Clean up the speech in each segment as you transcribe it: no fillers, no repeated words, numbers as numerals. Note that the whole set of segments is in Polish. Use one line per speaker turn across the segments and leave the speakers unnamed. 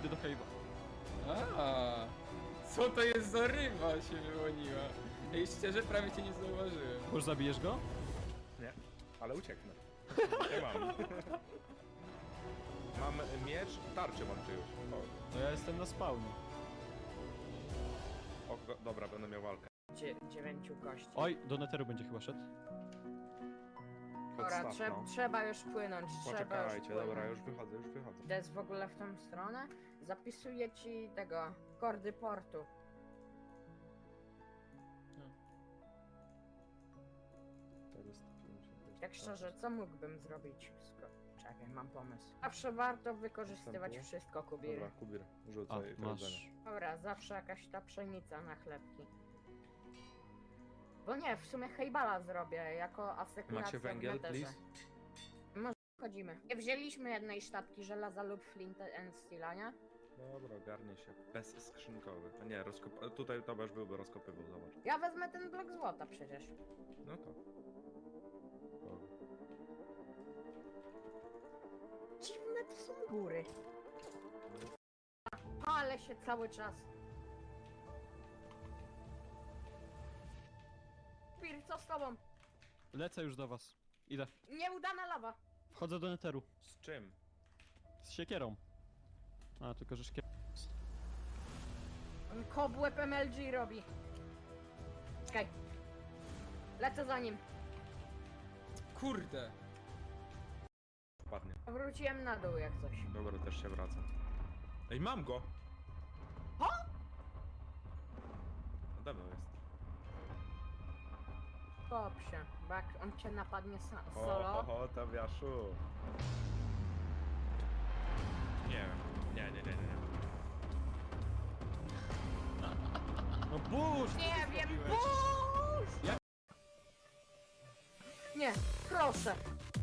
idę do Cave'a.
A, co to jest za ryba się wyłoniła? Ej, szczerze prawie cię nie zauważyłem.
Już zabijesz go?
Nie, ale ucieknę. Nie mam. Mam miecz, tarczę mam czyjąś.
To ja jestem na spawnie.
Dobra, będę miał walkę.
9 kości.
Oj, do Netheru będzie chyba szedł.
Dobra,
Podstaw, no.
trzeba już płynąć, trzeba już
Poczekajcie,
płynąć.
dobra, już wychodzę.
To jest w ogóle w tą stronę? Zapisuję ci tego, kordy portu. Tak szczerze, co mógłbym zrobić? Czekaj, mam pomysł. Zawsze warto wykorzystywać
Wstępu?
wszystko, Kubir.
Dobra, Kubir,
A,
rzucaj
masz.
jedzenie.
Dobra, zawsze jakaś ta pszenica na chlebki. Bo nie, w sumie hejbala zrobię, jako asekuracja
Macie węgiel,
w neterze.
please?
Może wchodzimy. Nie wzięliśmy jednej sztabki żelaza lub flint and steela, nie?
Dobra, ogarnie się. Bezskrzynkowy. A nie, tutaj Tobiasz byłby rozkopywał, zobacz.
Ja wezmę ten blok złota przecież.
No to. Dobra.
Dziwne to są góry. Palę się cały czas. Pir, co z tobą?
Lecę już do was. Idę.
Nieudana lawa.
Wchodzę do Netheru.
Z czym?
Z siekierą. A, tylko że szkier...
On kobłeb MLG robi. Czekaj. Lecę za nim.
Kurde.
Wpadnie.
Wróciłem na dół jak coś.
Dobra, też się wracam. Ej, mam go!
O!
Nade mną jest.
Kop się, bo jak on cię napadnie solo.
O, Tobiaszu. Nie wiem. Nie.
No burz!
Nie wiem, burz! Nie, proszę.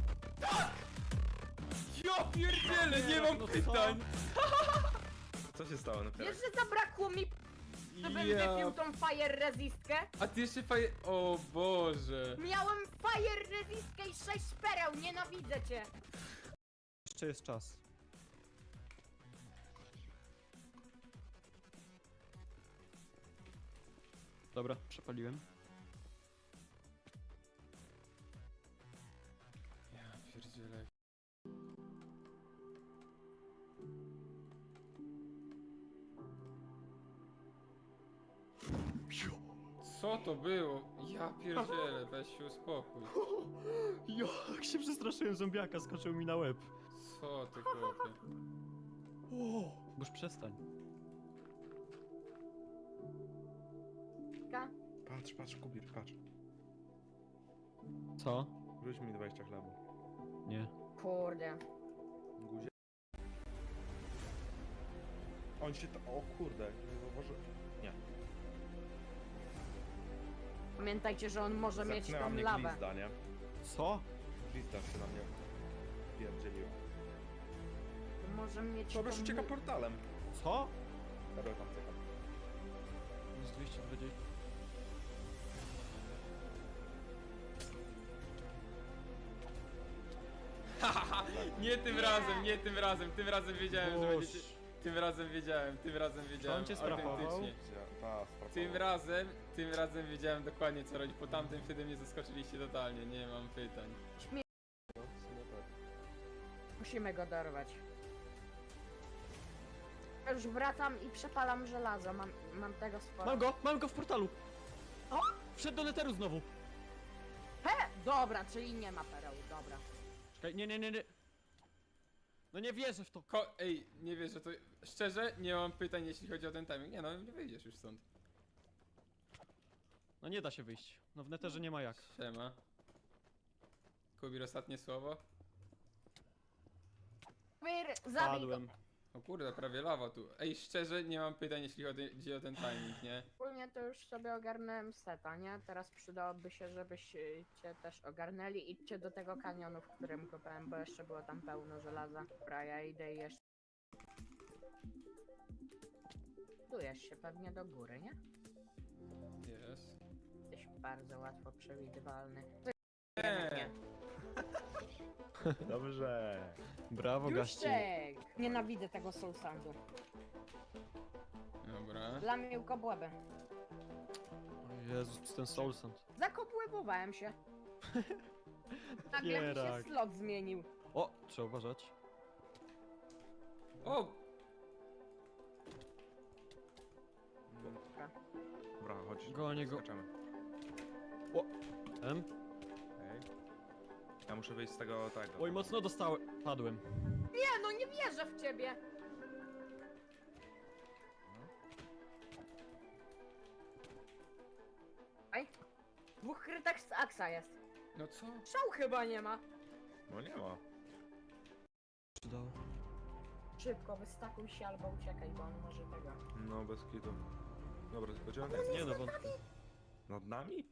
Ja pierdzielę, nie mam
No co?
pytań!
Co się stało na
Wiesz, że zabrakło mi, żebym wypił tą fire resistkę?
A ty jeszcze faje... O Boże.
Miałem fire resistkę i 6 pereł, nienawidzę cię.
Jeszcze jest czas. Dobra, przepaliłem.
Ja pierdzielę. Co to było? Ja pierdzielę, weź się uspokój.
Jak się przestraszyłem, zombiaka skoczył mi na łeb.
Co ty chłopie?
Już przestań.
Patrz, Kubir, patrz.
Co?
Rzuć mi 20 chleba.
Nie.
Kurde.
Guzie. On się o kurde, nie zauważy... Nie.
Pamiętajcie, że on może mieć
Zepchnęła
tą
mnie
lawę.
glizda, nie?
Co?
Glizda się na mnie pierdzieliła.
Może mieć
Tobiasz
tą...
ucieka portalem.
Co?
Dobra, tam czekam.
Jest 220.
Nie tym
Nie.
razem, nie tym razem. Tym razem wiedziałem, że będziecie...
Boż.
Tym razem wiedziałem.
On cię strafował?
Autentycznie.
Ta,
Tym razem wiedziałem dokładnie co robić. Po tamtym wtedy mnie zaskoczyliście totalnie. Nie mam pytań.
Musimy go dorwać. Już wracam i przepalam żelazo, mam tego sporo.
Mam go w portalu!
O!
Wszedł do Netheru znowu!
He! Dobra, czyli nie ma pereł, dobra.
Czekaj, nie. No nie wierzę w to.
Ej, nie wiesz, że to... Szczerze, nie mam pytań jeśli chodzi o ten timing. Nie no, nie wyjdziesz już stąd.
No nie da się wyjść. No w Netherze nie ma jak.
Siema. Kubir, ostatnie słowo.
Zabij go.
Padłem.
O kurde, prawie lawa tu. Ej, szczerze, nie mam pytań jeśli chodzi o ten timing, nie?
Ogólnie to już sobie ogarnąłem seta, nie? Teraz przydałoby się, żebyście też ogarnęli. Idźcie do tego kanionu, w którym kopałem, bo jeszcze było tam pełno żelaza. Dobra, ja idę i jeszcze... Budujesz się pewnie do góry, nie?
Jest.
Jesteś bardzo łatwo przewidywalny. Nie.
Dobrze.
Brawo, gaści.
Juszczek! Nienawidzę tego soul sandu.
Dobra.
Lamił kobłęby.
O Jezus, ten soul sand.
Zakobłębowałem się. Nagle mi się
Pierak.
slot zmienił.
O, trzeba uważać.
O!
Dobra, chodź.
Gonię go.
Skaczemy.
Em?
Okej. Ja muszę wyjść z tego.
Oj, mocno dostałem. Padłem.
Nie, no nie wierzę w ciebie! Aj. Dwóch krytek z Aksa jest.
No co?
Szał chyba nie ma.
No nie ma.
Przydało.
Szybko, wystakuj się albo uciekaj, bo on może tego.
No bez kitu. Dobra, gdzie on jest?
Nie no, wątpię.
Nad nami?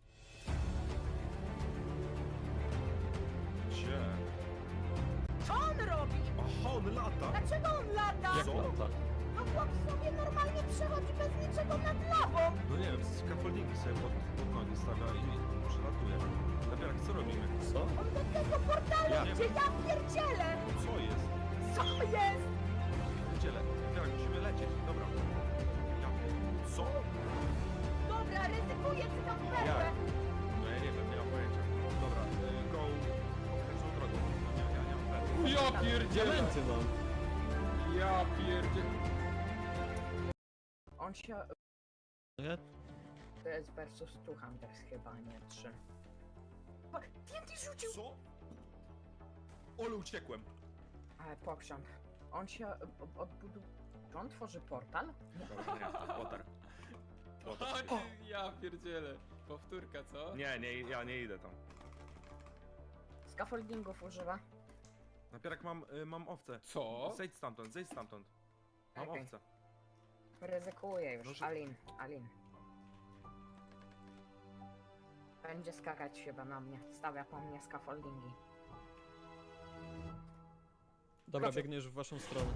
Gdzie?
Co on robi?
Aha, on lata!
Dlaczego on lata?
Jak
Co?
lata?
No chłop sobie normalnie przechodzi bez niczego nad lawą.
No nie wiem, scaffoldingi sobie pod nogi stawia i przelatuje. Napierak, co robimy?
Co?
On do tego portalu,
Ja.
gdzie ja pierdzielę.
Co jest?
Co jest?
Pierdziele. Napierak, musimy lecieć. Dobra. Ja. Co?
Dobra, ryzykuję ci tam
Jak?
perłę.
No ja nie wiem, nie mam pojęcia. Dobra, go okręcą drogą. Ja nie mam pewnie.
Ja pierdzielę!
Diamenty mam.
Ja pierdzielę!
On się...
Nie?
To jest versus 2 Hunters chyba, nie 3. TNT rzucił!
Co? Ole, uciekłem.
Ale pokrząt. On się odbudował... Czy on tworzy portal?
Dobra, nie, water.
O, ja pierdzielę. Powtórka, co?
Nie, ja nie idę tam.
Scaffoldingów używa.
Napierak, mam owce.
Co?
Zejdź stamtąd, zejdź stamtąd. Mam
Okej.
owce.
Ryzykuję już.
Może-
Alin. Będzie skakać chyba na mnie. Stawia po mnie scaffoldingi.
Dobra,
Skoczył.
biegniesz w waszą stronę.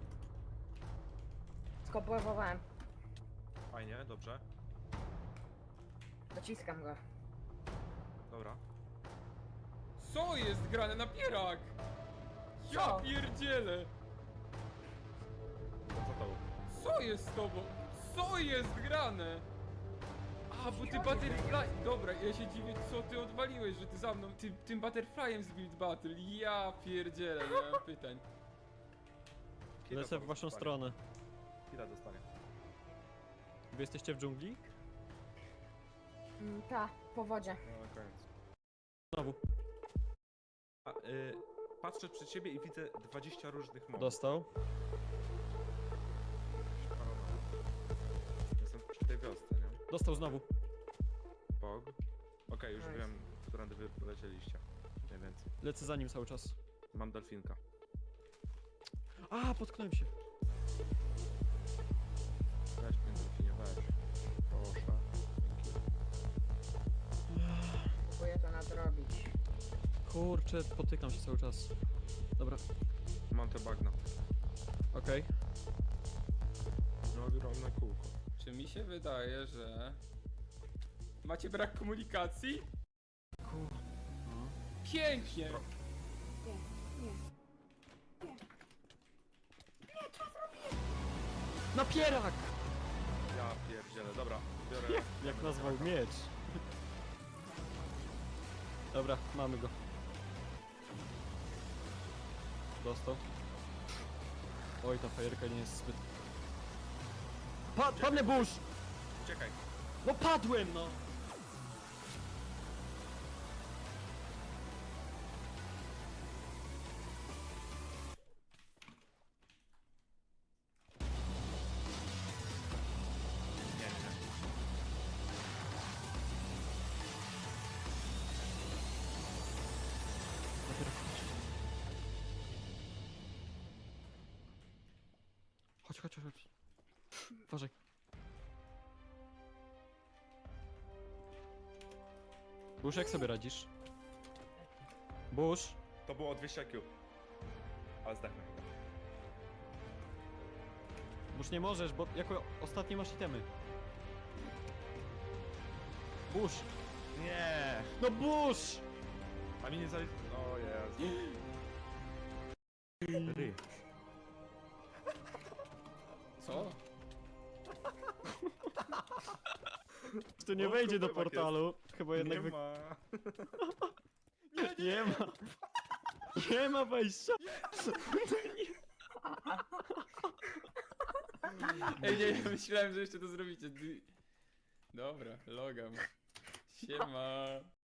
Skobłębowałem.
Fajnie, dobrze.
Dociskam go.
Dobra.
Co jest grane na pierak? Ja
Co?
pierdzielę!
Co to?
Co jest z tobą? Co jest grane? A, bo ty butterfly... Dobra, ja się dziwię, co ty odwaliłeś, że ty za mną, tym butterflyem z Build Battle. Ja pierdzielę, nie mam pytań.
Kira
Lecę w
to
waszą
dostanie.
stronę.
Kira dostanie.
Wy jesteście w dżungli?
Ta, po wodzie.
No, na koniec.
Znowu.
A, patrzę przed siebie i widzę 20 różnych mobów.
Dostał.
Jestem przy tej wiosce, nie?
Dostał znowu.
Pog. Okej, już
Nice.
wiem, którędy wy polecieliście. Mniej więcej.
Lecę za nim cały czas.
Mam delfinka.
A, potknąłem się.
Weź mnie, delfinie, weź. Proszę.
Próbuję to nadrobić.
Kurczę, potykam się cały czas. Dobra,
Mam te bagna.
okej.
No, ogromne kółko.
Czy mi się wydaje, że... Macie brak komunikacji?
No.
Pięknie!
Napierak!
Ja pierdzielę, dobra. Biorę.
Jak nazwał miecz. Dobra, mamy go. Dostał. Oj, ta fajerka nie jest zbyt... Padnę burz!
Uciekaj.
No padłem, no!
Nie, nie.
Napierak, chodź. Chodź. Uważaj. Bush, jak sobie radzisz? Bush?
To było 200 IQ. Ale zdechnę.
Bush, nie możesz, bo jako ostatni masz itemy. Bush!
Nie.
No Bush!
A mi nie zali... O Jezu. Ry.
Co?
Tu nie
O,
wejdzie do
kubełek
portalu. Chyba jednak
Nie ma.
nie ma. Nie ma wejścia.
Ej, nie, ja myślałem, że jeszcze to zrobicie. Dobra, logam. Siema.